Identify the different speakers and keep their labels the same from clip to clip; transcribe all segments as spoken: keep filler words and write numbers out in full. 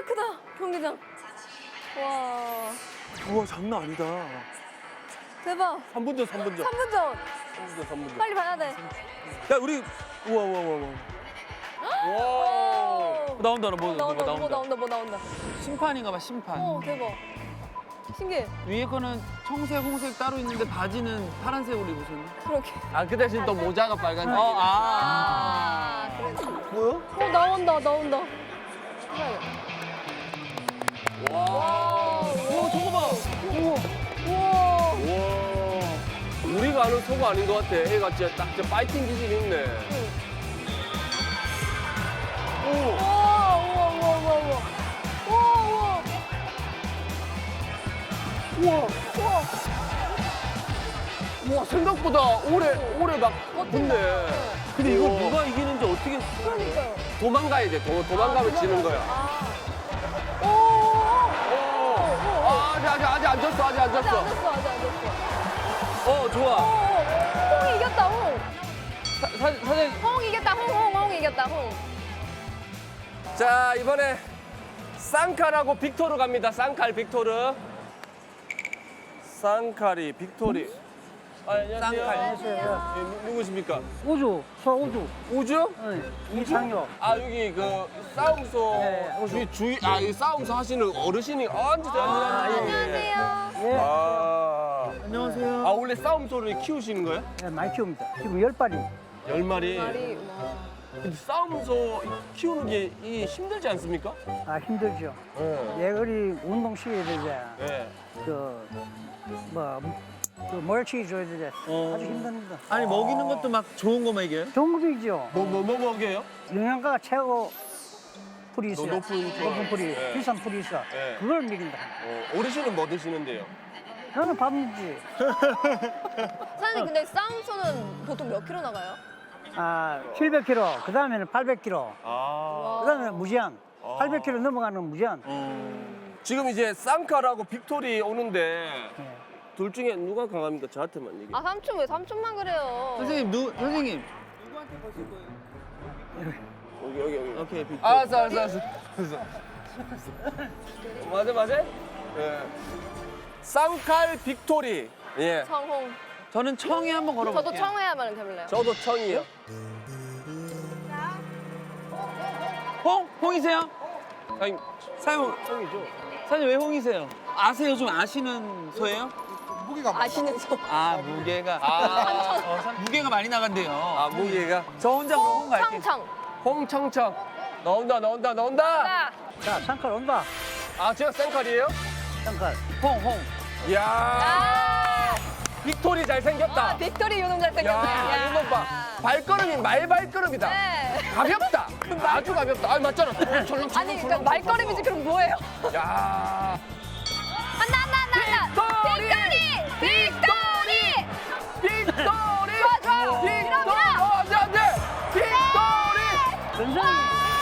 Speaker 1: 크다 경기장. 와
Speaker 2: 우와 장난 아니다.
Speaker 1: 대박.
Speaker 2: 삼 분 전, 삼 분 전.
Speaker 1: 삼 분 전.
Speaker 2: 삼 분 전, 삼 분 전.
Speaker 1: 빨리 봐야 돼.
Speaker 2: 야 우리 우와 우와 우와 우와.
Speaker 1: 오.
Speaker 2: 나온다 나 뭐,
Speaker 1: 나온다
Speaker 2: 뭐
Speaker 1: 뭐
Speaker 2: 나온다.
Speaker 1: 나온다 뭐 나온다.
Speaker 3: 심판인가 봐, 심판.
Speaker 1: 어 대박. 신기해.
Speaker 3: 위에 거는 청색, 홍색 따로 있는데 바지는 파란색으로 입으셨네.
Speaker 1: 그렇게.
Speaker 4: 아, 그 대신 또 모자가 빨간색.
Speaker 3: 어, 아.
Speaker 1: 아 그래.
Speaker 2: 뭐야?
Speaker 1: 어 나온다 나온다.
Speaker 4: 와.
Speaker 1: 와
Speaker 2: 저거 봐.
Speaker 1: 우와.
Speaker 4: 와. 우리가 아는 소가 아닌 것 같아. 애가 진짜 딱 진짜 파이팅 기질이 있네.
Speaker 1: 우와 우와 우와 우와 우와. 우와 우와.
Speaker 4: 우와.
Speaker 1: 우와.
Speaker 4: 우와, 생각보다 오래, 오래 막 붙네.
Speaker 2: 근데 이거
Speaker 4: 우와.
Speaker 2: 누가 이기는지 어떻게?
Speaker 1: 그러니까요.
Speaker 4: 도망가야 돼. 도, 도망가면 지는 거야.
Speaker 1: 아. 오.
Speaker 4: 오. 아, 아직, 아직, 아직 안 졌어. 아직 안
Speaker 1: 아직 안
Speaker 4: 졌어.
Speaker 1: 됐어 아직 안 됐어.
Speaker 2: 어 좋아.
Speaker 1: 어, 홍이 이겼다 홍.
Speaker 2: 사, 사, 사장님.
Speaker 1: 홍 이겼다 홍 홍 홍 이겼다 홍.
Speaker 4: 자, 이번에 쌍칼하고 빅토르 갑니다. 쌍칼, 빅토르. 쌍칼이 빅토리. 아, 안녕하세요.
Speaker 3: 쌍칼.
Speaker 4: 안녕하세요. 예, 누- 누구십니까?
Speaker 5: 우주, 서우주,
Speaker 4: 우주?
Speaker 5: 네, 이상혁.
Speaker 4: 아, 여기 그 싸움소
Speaker 5: 네, 우주.
Speaker 4: 주위, 주위, 아, 이 싸움소 하시는 어르신이, 아, 앉으세요, 앉으세요.
Speaker 1: 안녕하세요.
Speaker 5: 예,
Speaker 4: 아,
Speaker 3: 안녕하세요.
Speaker 4: 아, 원래 싸움소를 키우시는 거예요?
Speaker 5: 네, 많이 키웁니다. 지금 열 발이.
Speaker 4: 열 마리.
Speaker 1: 말이 와.
Speaker 4: 근데 싸움소 키우는 게 이 힘들지 않습니까?
Speaker 5: 아, 힘들죠.
Speaker 4: 네.
Speaker 5: 예거리 운동 시켜야 되지.
Speaker 4: 네.
Speaker 5: 그, 뭐, 그 멀치 줘야 되지.
Speaker 3: 어.
Speaker 5: 아주 힘듭니다.
Speaker 3: 아니, 먹이는 것도 막 좋은 거 먹여요?
Speaker 5: 종급이죠.
Speaker 4: 뭐, 뭐, 뭐 먹여요?
Speaker 5: 영양가가 최고 풀이 있어요.
Speaker 4: 노- 높은 풀.
Speaker 5: 높은 풀이,
Speaker 4: 네.
Speaker 5: 비싼 풀이 있어.
Speaker 4: 네.
Speaker 5: 그걸 먹인다.
Speaker 4: 어, 어르신은 뭐 드시는데요?
Speaker 5: 저는 밥 먹지.
Speaker 1: 사장님 근데 싸움소는 보통 몇 킬로 나가요?
Speaker 5: 아, 칠백 킬로그램, 그 다음에는 팔백 킬로그램,
Speaker 4: 아.
Speaker 5: 그 다음에 무제한. 팔백 킬로그램 넘어가는 무제한.
Speaker 4: 지금 이제 쌍칼하고 빅토리 오는데
Speaker 5: 네.
Speaker 4: 둘 중에 누가 강합니까? 저한테만 얘기해.
Speaker 1: 아 삼촌 왜 삼촌만 그래요?
Speaker 3: 선생님, 누, 선생님.
Speaker 4: 여기 여기 여기.
Speaker 3: 오케이, 빅.
Speaker 4: 알았어 알았어 알았어. 알았어. 맞아 맞아. 예. 쌍칼 빅토리. 예.
Speaker 1: 청홍.
Speaker 3: 저는 청에 한번 걸어볼게요.
Speaker 1: 저도 청해 한번 해볼래요.
Speaker 4: 저도 청이요.
Speaker 3: 홍? 홍이세요?
Speaker 4: 아니
Speaker 3: 사장님,
Speaker 4: 청이죠.
Speaker 3: 사장님 왜 홍이세요? 아세요? 좀 아시는 소예요?
Speaker 1: 아시는 소.
Speaker 3: 아, 무게가.
Speaker 4: 아,
Speaker 3: 어, 사- 무게가 많이 나간대요.
Speaker 4: 아 무게가
Speaker 3: 저 혼자 그럼 홍 갈게요.
Speaker 1: 청청.
Speaker 4: 홍청청. 나온다 나온다 나온다.
Speaker 1: 자,
Speaker 5: 자, 상칼 온다.
Speaker 4: 아 제가 쌍칼이에요?
Speaker 5: 상칼.
Speaker 3: 홍, 홍.
Speaker 4: 이야.
Speaker 1: 아,
Speaker 4: 빅토리 잘 생겼다.
Speaker 1: 아 빅토리 요놈 잘생겼네.
Speaker 4: 야, 이거 봐. 발걸음이 말발걸음이다.
Speaker 1: 네.
Speaker 4: 가볍다. 아주 가볍다. 아, 맞잖아. 철렁철렁.
Speaker 1: 아니 그러니까 말걸음이지 그럼 뭐예요?
Speaker 4: 야.
Speaker 1: 한다 한다 한다 한다. 빅토리! 빅토리!
Speaker 4: 빅토리!
Speaker 1: 좋아, 좋아.
Speaker 4: 빅토리!
Speaker 1: 밀어, 밀어.
Speaker 4: 어, 안 돼, 안 돼. 빅토리!
Speaker 5: 전상이.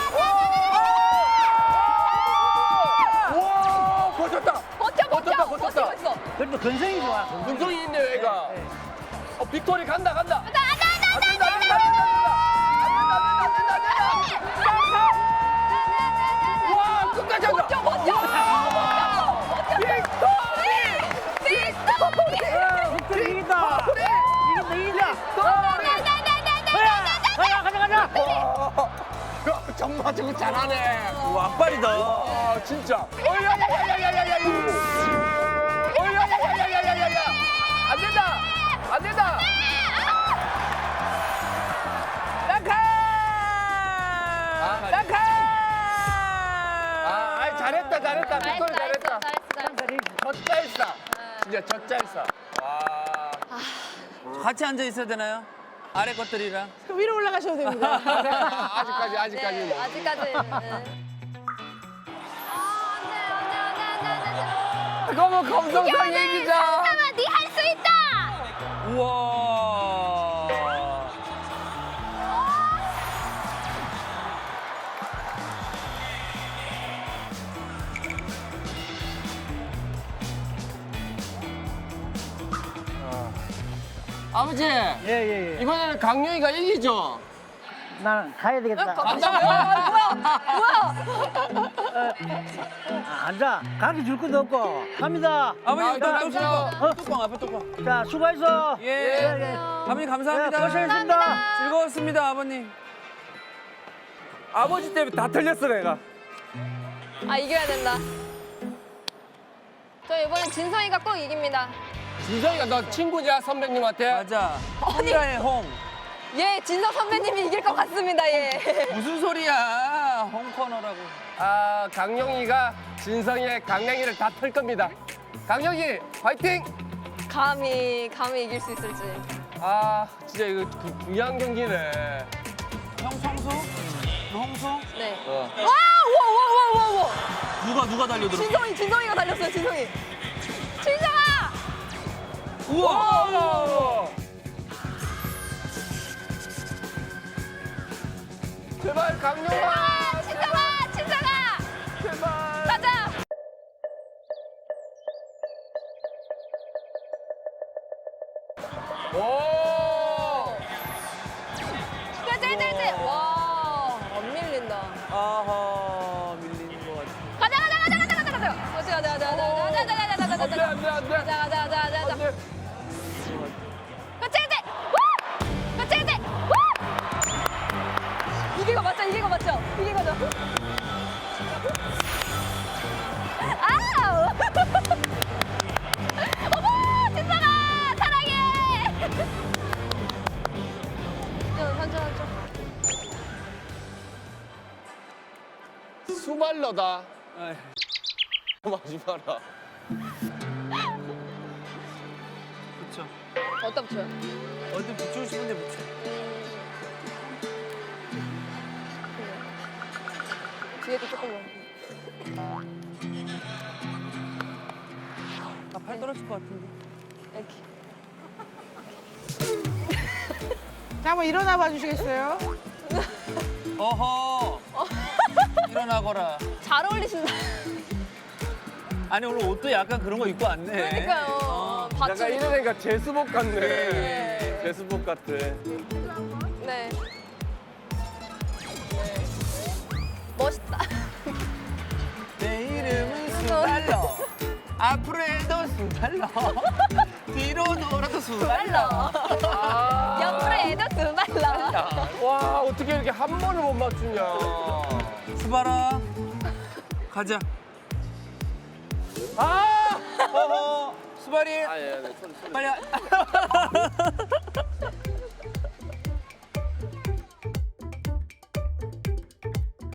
Speaker 4: 와, 버텼다.
Speaker 1: 버텨 버텨
Speaker 4: 버텼다, 버텼다.
Speaker 1: 버티고 있어.
Speaker 5: 그래도 근성이 좋아.
Speaker 4: 근성이 있네, 얘가.
Speaker 5: 네.
Speaker 4: 어, 빅토리 간다, 간다.
Speaker 1: 간다 간다
Speaker 4: 안 된다, 안 된다, 안 된다, 안 된다, 안 된다, 안 된다, 안 된다. 와, 끝까지 한다.
Speaker 1: 버텨 버텨 버텨
Speaker 4: 빅토리!
Speaker 1: 빅토리!
Speaker 5: 야, 빅토리 이긴다. 이긴다, 이긴다. 가자, 가자, 가자.
Speaker 4: 야, 정말 저거 잘하네.
Speaker 2: 와 악발이다.
Speaker 4: 아, 진짜. 어야야야야야야야. 어야야야야야야야. 안 된다. 안 된다. 낙하.
Speaker 3: 아,
Speaker 4: 낙하. 아, 아이, 잘했다, 잘했다. 빅토리 잘했다. 젖잘싸. 진짜 젖잘싸. 와.
Speaker 3: 같이 앉아 있어야 되나요? 아래 것들이랑.
Speaker 1: 위로 올라가셔도 됩니다.
Speaker 4: 아직까지, 아직까지는.
Speaker 1: 네, 아직까지. 네.
Speaker 4: 그러면 검성상 얘기자.
Speaker 1: 잠깐만, 네할 수 있다.
Speaker 3: 우와.
Speaker 4: 아버지,
Speaker 5: 예, 예, 예.
Speaker 4: 이번에는 강요이가 이기죠?
Speaker 5: 나는 가야 되겠다.
Speaker 1: 간다고요? 아, 뭐야? 뭐야?
Speaker 5: 아, 앉아. 가르쳐 줄 것도 없고. 갑니다.
Speaker 2: 아버님 일단
Speaker 3: 자,
Speaker 2: 뚜껑.
Speaker 5: 어?
Speaker 2: 뚜껑 앞에 뚜껑.
Speaker 5: 자, 수고했어.
Speaker 2: 예.
Speaker 5: 예.
Speaker 2: 아버님
Speaker 5: 예,
Speaker 2: 감사합니다.
Speaker 5: 고생했습니다.
Speaker 2: 즐거웠습니다 아버님. 아버지 때문에 다 틀렸어 내가.
Speaker 1: 아, 이겨야 된다. 저 이번엔 진성이가 꼭 이깁니다.
Speaker 4: 진성이가 너 친구냐 선배님한테?
Speaker 2: 맞아. 홍자의 홍.
Speaker 1: 예, 진성 선배님이 이길 것 같습니다, 예.
Speaker 2: 무슨 소리야? 홍코너라고.
Speaker 4: 아 강영이가 진성이의 강냉이를 다 털 겁니다. 강영이 화이팅!
Speaker 1: 감히, 감히 이길 수 있을지.
Speaker 4: 아 진짜 이거 구- 중요한 경기네.
Speaker 2: 형 성수? 너 홍수?
Speaker 1: 네.
Speaker 4: 어.
Speaker 1: 와, 와, 와, 와, 와, 와.
Speaker 2: 누가 누가 달려들어?
Speaker 1: 진성이, 진성이가 달렸어요, 진성이. 진성아!
Speaker 2: 우와!
Speaker 4: 제발 강영아!
Speaker 1: 아, 진성아! 진성아!
Speaker 4: 제발!
Speaker 1: 가자!
Speaker 4: 오!
Speaker 1: 그래, 짤, 짤, 짤. 와, 안 밀린다.
Speaker 2: 아하 밀리는 것 같아.
Speaker 1: 가자, 가자, 가자, 가자, 가자, 가자. 가자, 가자, 가자, 가자, 가자, 가자, 가자, 가자,
Speaker 4: 안돼
Speaker 1: 가자.
Speaker 4: 안돼 안돼
Speaker 1: 가자, 가자, 가자, 가자, 가자.
Speaker 4: 안돼.
Speaker 1: 그치, 그치! 우! 그치, 그치! 우! 이게 거 맞죠? 이게 거 맞죠? 이게 거죠? 아우! 어머! 진짜가! 사랑해! 저, 한점 한점
Speaker 4: 수발러다.
Speaker 2: 아이.
Speaker 4: 하지 마라.
Speaker 2: 그쵸.
Speaker 1: 어디다 붙여요?
Speaker 2: 어디 붙이고 싶은데 붙여.
Speaker 1: 뒤에도 조금만.
Speaker 2: 아, 팔 떨어질 것 같은데.
Speaker 1: 이렇게.
Speaker 6: 자, 한번 일어나 봐 주시겠어요?
Speaker 2: 어허. 일어나거라.
Speaker 1: 잘 어울리신다.
Speaker 2: 아니 오늘 옷도 약간 그런 거 입고 왔네.
Speaker 1: 그러니까요.
Speaker 2: 어.
Speaker 1: 받쳐.
Speaker 4: 약간 이러니까 제수복 같네.
Speaker 1: 네.
Speaker 4: 제수복 같아.
Speaker 1: 네. 네. 멋있다.
Speaker 2: 내 이름은 수달러. 앞으로 해도 수달러. 뒤로 돌아도 수달러.
Speaker 4: 아.
Speaker 1: 옆으로 해도 두 발라.
Speaker 4: 와 어떻게 이렇게 한 번을 못 맞추냐.
Speaker 2: 수발아. 가자.
Speaker 4: 아!
Speaker 2: 어허. 수발이.
Speaker 4: 아 예, 네, 소리 소리.
Speaker 2: 빨리. 와.